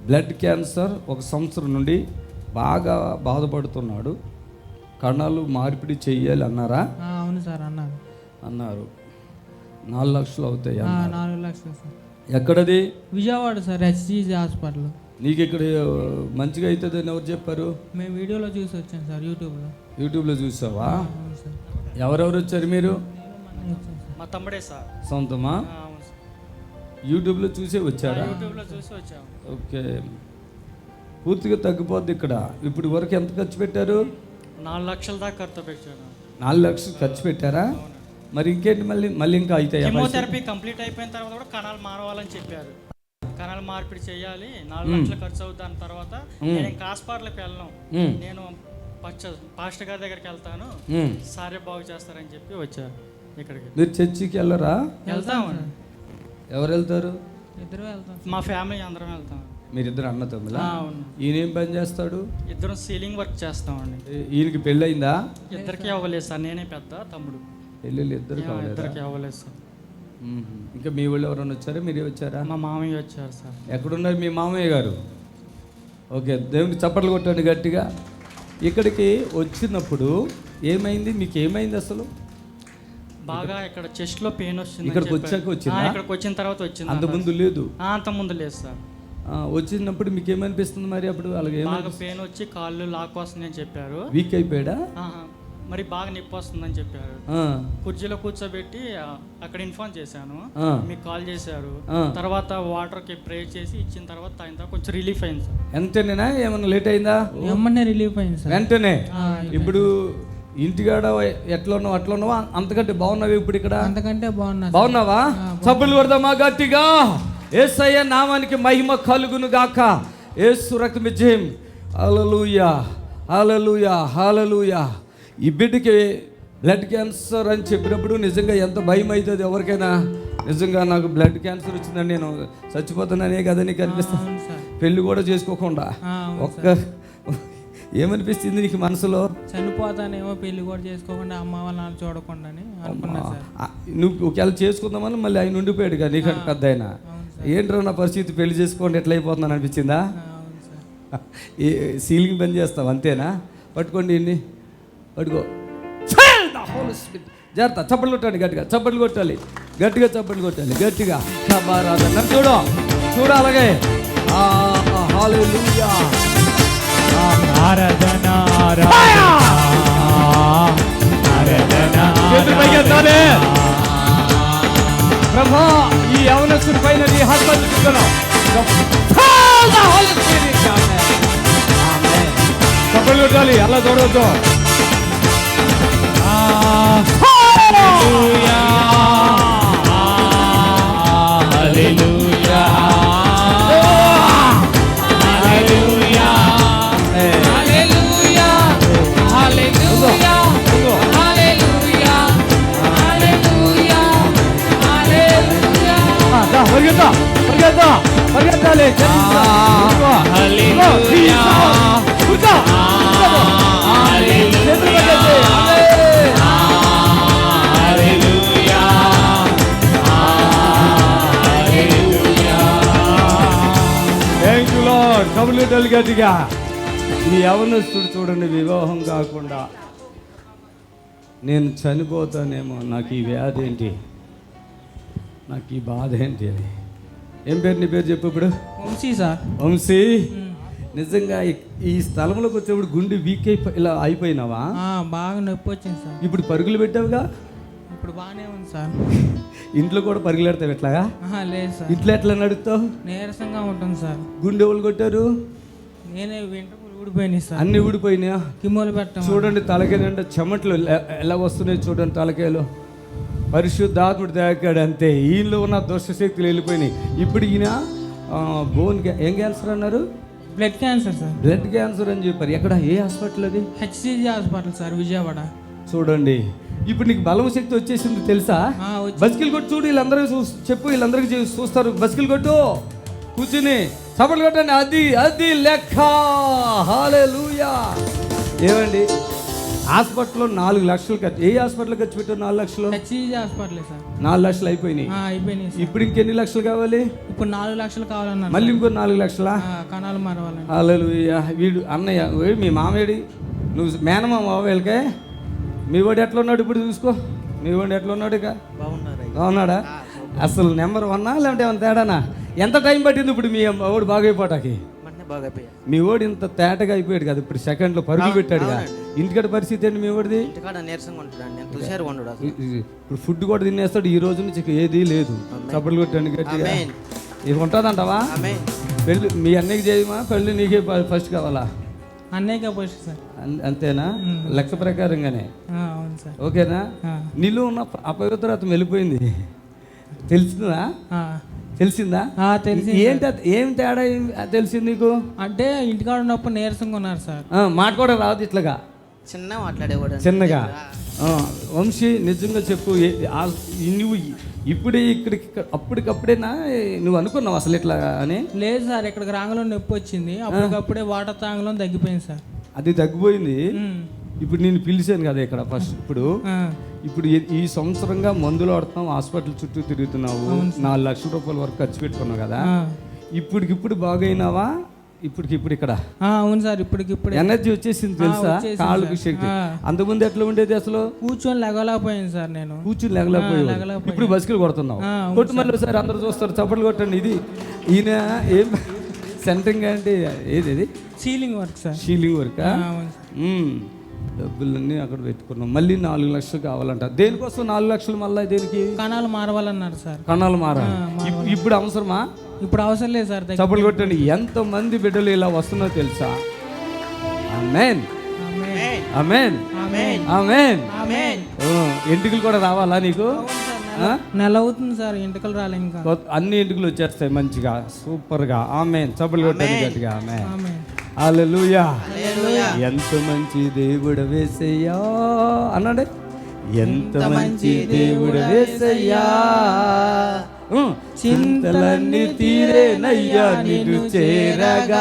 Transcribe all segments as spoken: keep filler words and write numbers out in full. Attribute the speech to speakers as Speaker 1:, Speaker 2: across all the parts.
Speaker 1: Blood cancer ఒక సంవత్సరం నుండి బాగా బాధపడుతున్నాడు. కణాలు మార్పిడి చెయ్యాలి అన్నారా?
Speaker 2: అవును సార్ అన్నారు.
Speaker 1: అన్నారు. నాలుగు లక్షలు అవుతాయి.
Speaker 2: నాలుగు లక్షలు సార్.
Speaker 1: ఎక్కడది?
Speaker 2: Vijayawada sir, HCG hospital.
Speaker 1: నీకు ఇక్కడ మంచిగా అవుతుంది అని ఎవరు చెప్పారు?
Speaker 2: మేము వీడియోలో చూసి వచ్చాం సార్, యూట్యూబ్లో.
Speaker 1: యూట్యూబ్లో చూసావా?
Speaker 2: అవును సార్.
Speaker 1: ఎవరెవరు వచ్చారు మీరు?
Speaker 3: మా తమ్ముడే సార్.
Speaker 1: సొంతమా? యూట్యూబ్లో చూసే వచ్చారా?
Speaker 3: యూట్యూబ్లో చూసి వచ్చాము.
Speaker 1: ఓకే, పూర్తిగా తగ్గిపోద్ది ఇక్కడ. ఇప్పుడు వరకు ఎంత ఖర్చు పెట్టారు?
Speaker 3: నాలుగు లక్షల దాకా ఖర్చు పెట్టాను.
Speaker 1: నాలుగు లక్షలు ఖర్చు పెట్టారా? మరి ఇంకేంటి, మళ్ళీ మళ్ళీ ఇంకా అవుతాయి.
Speaker 3: కీమోథెరపీ కంప్లీట్ అయిపోయిన తర్వాత కూడా కణాలు మారవాలని చెప్పారు. కణాలు మార్పిడి చేయాలి, నాలుగు లక్షలు ఖర్చు అవుతుంది. దాని తర్వాత నేను ఇంకా హాస్పిటల్కి వెళ్ళను, నేను పాస్టర్ గారి దగ్గరికి వెళ్తాను, సారే బాగు చేస్తారని చెప్పి వచ్చారు ఇక్కడికి.
Speaker 1: మీరు చర్చికి వెళ్ళరా?
Speaker 3: వెళ్తాము.
Speaker 1: ఎవరు వెళ్తారు?
Speaker 2: ఇద్దరు వెళ్తాం.
Speaker 3: మా ఫ్యామిలీ అందరం వెళ్తాం.
Speaker 1: మీరిద్దరు అన్న తమ్ములా?
Speaker 3: అవును.
Speaker 1: ఈయన ఏం పని చేస్తాడు?
Speaker 3: ఇద్దరం సీలింగ్ వర్క్ చేస్తామండి.
Speaker 1: ఈయనకి పెళ్ళి అయిందా?
Speaker 3: ఇద్దరికి అవ్వలేదు సార్, నేనే పెద్ద, తమ్ముడు.
Speaker 1: పెళ్ళిళ్ళు ఇద్దరు
Speaker 3: ఇద్దరికి అవ్వలేదు సార్.
Speaker 1: ఇంకా మీ వాళ్ళు ఎవరైనా వచ్చారా? మీరే వచ్చారా?
Speaker 3: మా మామయ్య వచ్చారు సార్.
Speaker 1: ఎక్కడున్నారు మీ మామయ్య గారు? ఓకే, దేవునికి చప్పట్లు కొట్టండి గట్టిగా. ఇక్కడికి వచ్చినప్పుడు ఏమైంది, మీకు ఏమైంది అసలు?
Speaker 3: బాగా ఇక్కడ చెస్ట్ లో పెయిన్ వస్తుంది.
Speaker 1: ఇక్కడికి వచ్చాక వచ్చిందా?
Speaker 3: ఇక్కడికి వచ్చిన తర్వాత వచ్చింది.
Speaker 1: అంత ముందు లేదు?
Speaker 3: అంత ముందు లేదు సార్.
Speaker 1: వచ్చినప్పుడు మీకు ఏమనిపిస్తుంది మరి? అప్పుడు అలాగే
Speaker 3: బాగా పెయిన్ వచ్చి కాళ్ళు లాక్ వస్తుందని చెప్పారు.
Speaker 1: వీక్ అయిపోయాడా?
Speaker 3: మరి బాగా నొప్పి వస్తుందని చెప్పారు. కుర్చీలో కూర్చోబెట్టి అక్కడ ఇన్ఫార్మ్ చేశాను, మీకు కాల్ చేశారు. తర్వాత వాటర్ కి ప్రే చేసి ఇచ్చిన తర్వాత తాగిన కొంచెం రిలీఫ్ అయింది సార్.
Speaker 1: వెంటనేనా ఏమన్నా లేట్ అయిందా?
Speaker 2: వెంటనే రిలీఫ్ అయింది సార్.
Speaker 1: వెంటనే. ఇప్పుడు ఇంటికాడ ఎట్లా ఉన్నావు అట్లా ఉన్నావా? అంతకంటే బాగున్నావు ఇప్పుడు ఇక్కడ?
Speaker 2: అంతకంటే బాగున్నా.
Speaker 1: బాగున్నావా? చప్పులు కొడదామా గట్టిగా? యేసయ్య నామానికి మహిమ కలుగును గాక. యేసు రక్తము జయం. హల్లెలూయా, హల్లెలూయా, హల్లెలూయా. ఈ బిడ్డకి బ్లడ్ క్యాన్సర్ అని చెప్పినప్పుడు నిజంగా ఎంత భయం అవుతుంది ఎవరికైనా. నిజంగా నాకు బ్లడ్ క్యాన్సర్ వచ్చిందని నేను చచ్చిపోతున్నానే కదా నీకు అనిపిస్తుంది. పెళ్ళి కూడా చేసుకోకుండా ఒక్క ఏమనిపిస్తుంది నీకు మనసులో?
Speaker 2: చనిపోతానేమో, పెళ్లి కూడా చేసుకోకుండా అమ్మ వాళ్ళ చూడకుండా అనుకున్నా సార్.
Speaker 1: నువ్వు ఒకవేళ చేసుకుందామని మళ్ళీ ఆయన ఉండిపోయాడు కదా నీకంటే పెద్ద ఆయన. ఏంట్రా నా పరిస్థితి, పెళ్లి చేసుకోండి ఎట్లా అయిపోతున్నాను అనిపించిందా? ఏ సీలింగ్ బంద్ చేస్తావు అంతేనా? పట్టుకోండి ఇన్ని పట్టుకో. జాగ్రత్త, చప్పట్లు కొట్టాలి గట్టిగా, చప్పట్లు కొట్టాలి గట్టిగా, చప్పట్లు కొట్టాలి గట్టిగా. నన్ను చూడు చూడు అలాగే. హల్లెలూయా.
Speaker 4: ఆరాధన
Speaker 1: ప్రభా, ఈ యవనస్తుడి పైన నీ హస్తం చూస్తున్నావు. చప్పట్లు కొట్టాలి, అలా చూడవద్దు.
Speaker 4: హల్లెలూయా, హల్లెలూయా, హల్లెలూయా, హల్లెలూయా, హల్లెలూయా, హల్లెలూయా, హల్లెలూయా, హల్లెలూయా.
Speaker 1: పరిగెత్తా పరిగెత్తా పరిగెత్తాలి.
Speaker 4: హల్లెలూయా,
Speaker 1: కబులు గట్టిగా. ఈ యవనస్తుడు చూడండి, వివాహం కాకుండా నేను చనిపోతానేమో, నాకు ఈ వ్యాధి ఏంటి, నాకు ఈ బాధ ఏంటి అని. ఏం పేరు నీ పేరు చెప్పు ఇప్పుడు?
Speaker 2: వంశీ సార్.
Speaker 1: వంశీ, నిజంగా ఈ స్థలంలోకి వచ్చేప్పుడు గుండె వీక్ అయిపో ఇలా అయిపోయినావా?
Speaker 2: బాగా నొప్పి వచ్చింది సార్.
Speaker 1: ఇప్పుడు పరుగులు పెట్టావుగా?
Speaker 2: ఇప్పుడు బాగానే ఉంది సార్.
Speaker 1: ఇంట్లో కూడా పరుగులు పెడతావు ఎట్లాగా?
Speaker 2: లేదు సార్.
Speaker 1: ఇంట్లో ఎట్లా నడుస్తావు?
Speaker 2: నీరసంగా ఉంటుంది సార్.
Speaker 1: గుండె ఎవరు కొట్టారు?
Speaker 2: నేనే వెంట్రుకలు ఊడిపోయినాయి సార్.
Speaker 1: అన్ని ఊడిపోయినాయా?
Speaker 2: కిమోలు పెట్టాం. చూడండి
Speaker 1: తలకాయ అంటే చెమట్లు ఎలా వస్తున్నాయి చూడండి తలకాయలో. పరిశుద్ధాత్ముడు తాకాడు అంతే. ఈయనలో ఉన్న దుష్టశక్తులు వెళ్ళిపోయినాయి. ఇప్పుడు ఈయన బోన్ ఏం క్యాన్సర్ అన్నారు?
Speaker 2: Blood cancer sir.
Speaker 1: Blood cancer అని చెప్పారు. ఎక్కడ, ఏ హాస్పిటల్ అది?
Speaker 2: HCG hospital sir, Vijayawada.
Speaker 1: చూడండి, ఇప్పుడు నీకు బలం శక్తి వచ్చేసింది తెలుసా? బస్కిల్ కొట్టు చూడు, వీళ్ళందరూ చెప్పు, వీళ్ళందరికీ చూస్తారు. బస్కిల్ కొట్టు, కూర్చుని చప్పట్లు కొట్టండి. అది అది లెక్క. హల్లెలూయా. ఏమండి హాస్పిటల్లో నాలుగు లక్షలు ఖర్చు. ఏ హాస్పిటల్ ఖర్చు పెట్టావు నాలుగు లక్షలు?
Speaker 2: HCG hospital sir.
Speaker 1: నాలుగు లక్షలు అయిపోయినాయి.
Speaker 2: ఆ, అయిపోయినాయి సార్.
Speaker 1: ఇప్పుడు ఇంకెన్ని లక్షలు కావాలి?
Speaker 2: ఇప్పుడు నాలుగు లక్షలు కావాలన్నారు.
Speaker 1: మళ్ళీ ఇంకో నాలుగు లక్షలా?
Speaker 2: ఆ, కణాలు మారవాలండి.
Speaker 1: హల్లెలూయా. వీడు అన్నయ్య వీడు మీ మామేడి, నువ్వు మేనమామ వీళ్ళకే. మీ వాడు ఎట్లా ఉన్నాడు ఇప్పుడు చూసుకో. మీ వాడు ఎట్లా ఉన్నాడు? ఇక బాగున్నాడా? అసలు నెంబర్ వన్నా లేదంటే ఏమైనా తేడానా? ఎంత టైం పట్టింది ఇప్పుడు మీ వాడు బాగైపోటాకి? మీ వాడు ఇంత తేటగా అయిపోయాడు కదా, ఇప్పుడు సెకండ్లో పరుగులు పెట్టాడు కదా. ఇంటికాడ పరిస్థితి ఏంటి మీ వాడిది? ఇప్పుడు ఫుడ్ కూడా తినేస్తాడు. ఈ రోజు నుంచి ఏది లేదు. చప్పట్లు కొట్టండి గట్టిగా. ఇది ఉంటుందంటావా? పెళ్ళి మీ అన్నయ్యకి చేయమా? పెళ్ళి నీకే ఫస్ట్ కావాలా?
Speaker 2: అన్నయ్యకే ఫస్ట్ సార్.
Speaker 1: అన్- అంతేనా? లెక్క ప్రకారంగానే
Speaker 2: ఆ, అవును సార్.
Speaker 1: ఓకేనా?
Speaker 2: ఆ.
Speaker 1: నీలో ఉన్న అపవిత్రత వెళ్ళిపోయింది. తెలిసిందా?
Speaker 2: ఆ.
Speaker 1: తెలిసిందా?
Speaker 2: ఆ, తెలిసి
Speaker 1: ఏంటి అది- ఏం తేడా ఏం- తెలిసింది నీకు?
Speaker 2: అంటే ఇంటికాడ ఉన్నప్పుడు నీరసంగా ఉన్నారు సార్.
Speaker 1: ఆ, మాట కూడా రాదు ఇట్లాగా
Speaker 5: చిన్న మాట్లాడేవాడు
Speaker 1: చిన్నగా. ఆ, వంశీ నిజంగా చెప్పు. ఏ- ఆ- నువ్వు ఇప్పుడే ఇక్కడికి ఇక్కడ- అప్పటికప్పుడేనా నువ్వు అనుకున్నావు అసలు ఇట్లా అని?
Speaker 2: లేదు సార్, ఇక్కడికి రాంగలో నొప్పి వచ్చింది. అప్పటికప్పుడే వాటర్ తాగలో తగ్గిపోయింది సార్.
Speaker 1: అది తగ్గిపోయింది.
Speaker 2: ఉమ్.
Speaker 1: ఇప్పుడు నేను పిలిచాను కదా ఇక్కడ ఫస్ట్. ఇప్పుడు
Speaker 2: ఆ.
Speaker 1: ఇప్పుడు ఈ- ఈ సంవత్సరంగా మందులు ఆడుతున్నావు, హాస్పిటల్ చుట్టూ తిరుగుతున్నావు, నాలుగు లక్షల రూపాయల వరకు ఖర్చు పెట్టుకున్నావు కదా.
Speaker 2: ఆ.
Speaker 1: ఇప్పటికిప్పుడు బాగైనావా? ఇప్పటికిప్పుడు ఇక్కడ
Speaker 2: ఆ, అవును సార్. ఇప్పటికిప్పుడు
Speaker 1: ఎనర్జీ వచ్చేసింది తెలుసా?
Speaker 2: వచ్చేసింది
Speaker 1: కాళ్ళకి
Speaker 2: సార్.
Speaker 1: శక్తి.
Speaker 2: ఆ.
Speaker 1: అంతకుముందు ఎట్లా ఉండేది అసలు?
Speaker 2: కూర్చొని లెగలేకపోయాను సార్ నేను.
Speaker 1: కూర్చుని లేగలేకపోయావు.
Speaker 2: లేగలేకపోయాను.
Speaker 1: ఇప్పుడు బస్సులు కొడుతున్నావు.
Speaker 2: ఆ, అవును
Speaker 1: కొట్టు మళ్ళీ సార్ అందరూ చూస్తారు, చప్పట్లు కొట్టండి. ఇది ఈయన ఏం సెంటరింగ్ అంటే ఏది? ఇది
Speaker 2: ceiling work sir.
Speaker 1: Ceiling work.
Speaker 2: ఆ, అవును సార్.
Speaker 1: డబ్బులన్నీ అక్కడ పెట్టుకున్నాం. మళ్ళీ నాలుగు లక్షలు కావాలంట. దేనికోసం నాలుగు లక్షలు? మళ్ళీ దేనికి?
Speaker 2: కణాలు మారవాలన్నారు సార్.
Speaker 1: కణాలు మారా.
Speaker 2: ఆ, మారవాలి.
Speaker 1: ఇప్- ఇప్పుడు అవసరమా?
Speaker 2: ఇప్పుడు అవసరం లేదు సార్. దగ్గర-
Speaker 1: చప్పట్లు కొట్టండి. ఎంత మంది బిడ్డలు ఇలా వస్తున్నా తెలుసా? ఆమేన్,
Speaker 2: ఆమేన్.
Speaker 1: ఆమేన్,
Speaker 2: ఆమేన్.
Speaker 1: ఆమేన్.
Speaker 2: ఆమేన్.
Speaker 1: ఓ, ఎంటుకలు కూడా రావాలా నీకు? ఆ?
Speaker 2: నెల అవుతుంది సార్, ఇంటికలు రాలే ఇంకా.
Speaker 1: కొత్త- అన్ని ఎంటుకలు వచ్చేస్తాయి మంచిగా, సూపర్గా. ఆమేన్. చప్పట్లు కొట్టండి గట్టిగా. ఆమేన్.
Speaker 2: ఆమేన్.
Speaker 1: హల్లెలూయా. ఎంత మంచి దేవుడు వేసయ్యా అన్నాడే. ఎంత మంచి దేవుడు వేసయ్యా, ఉం. చింతలన్నీ తీరేనయ్యా నిన్ను చేరగా.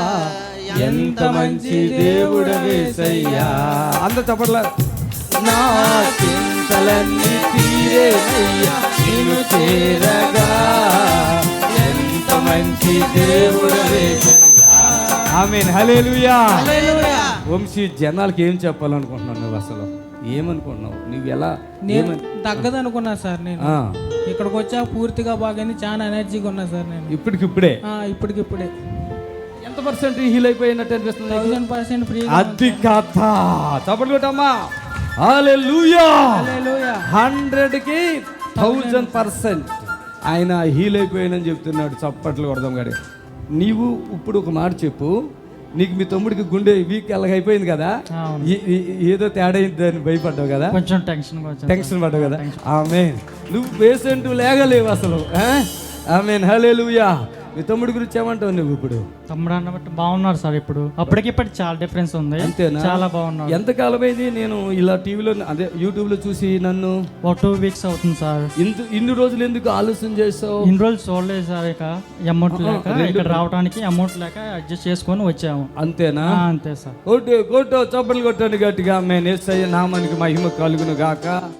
Speaker 1: ఎంత మంచి దేవుడు వేసయ్యా. అంత చప్పట్ల. నా చింతలన్నీ తీరేనయ్యా నిన్ను చేరగా. ఎంత మంచి దేవుడు వేసయ్యా. ఆమేన్. హల్లెలూయా. వంశీ, జనాలకి ఏం చెప్పాలనుకుంటున్నావు నువ్వు? అసలు ఏమనుకుంటున్నావు నువ్వు? ఎలా
Speaker 2: నేను తగ్గదనుకున్నా సార్. నేను
Speaker 1: ఆ,
Speaker 2: ఇక్కడికి వచ్చా పూర్తిగా బాగానే చాలా ఎనర్జీగా ఉన్నా సార్ నేను.
Speaker 1: ఇప్పటికిప్పుడే
Speaker 2: ఆ, ఇప్పటికిప్పుడే
Speaker 1: ఎంత పర్సెంట్ హీల్ అయిపోయినట్టు అనిపిస్తుంది నీకు?
Speaker 2: Thousand percent free.
Speaker 1: అది కథ. చప్పట్లు కొట్టమ్మా. హల్లెలూయా.
Speaker 2: హల్లెలూయా.
Speaker 1: హండ్రెడ్ కి థౌజండ్ పర్సెంట్ ఆయన హీల్ అయిపోయానని చెప్తున్నాడు. చప్పట్లు కొడదాం గాడి. నీవు ఇప్పుడు ఒక మాట చెప్పు. నీకు మీ తమ్ముడికి గుండె వీక్ ఎలాగైపోయింది కదా, ఈ- ఈ- ఏదో తేడా అయిందని భయపడ్డావు కదా,
Speaker 3: కొంచెం టెన్షన్
Speaker 1: టెన్షన్ పడ్డావు కదా. ఆమేన్. నువ్వు పేషెంట్ లేగలేవు అసలు. ఆమేన్. హల్లెలూయా. మీ తమ్ముడి గురించి ఏమంటావు నువ్వు ఇప్పుడు?
Speaker 3: తమ్ముడు అన్నబట్టి బాగున్నారు సార్. ఇప్పుడు అప్పటికి ఇప్పటికి చాలా డిఫరెన్స్ ఉంది.
Speaker 1: అంతేనా?
Speaker 3: చాలా బాగున్నారు.
Speaker 1: ఎంతకాలం అయింది నేను ఇలా టీవీలో అదే యూట్యూబ్లో చూసి నన్ను?
Speaker 3: ఒక టూ వీక్స్ అవుతుంది సార్.
Speaker 1: ఇంత ఇన్ని రోజులు ఎందుకు ఆలోచన చేసావు?
Speaker 3: ఇన్ని రోజులు చూడలేదు సార్. ఇక అమౌంట్ లేక, ఇక్కడ రావడానికి అమౌంట్ లేక అడ్జస్ట్ చేసుకొని వచ్చాము.
Speaker 1: అంతేనా?
Speaker 3: ఆ, అంతే సార్.
Speaker 1: కొట్టు కొట్టు చప్పట్లు కొట్టండి గట్టిగా. ఆమేన్. యేసయ్య నామానికి మహిమ కలుగును గాక.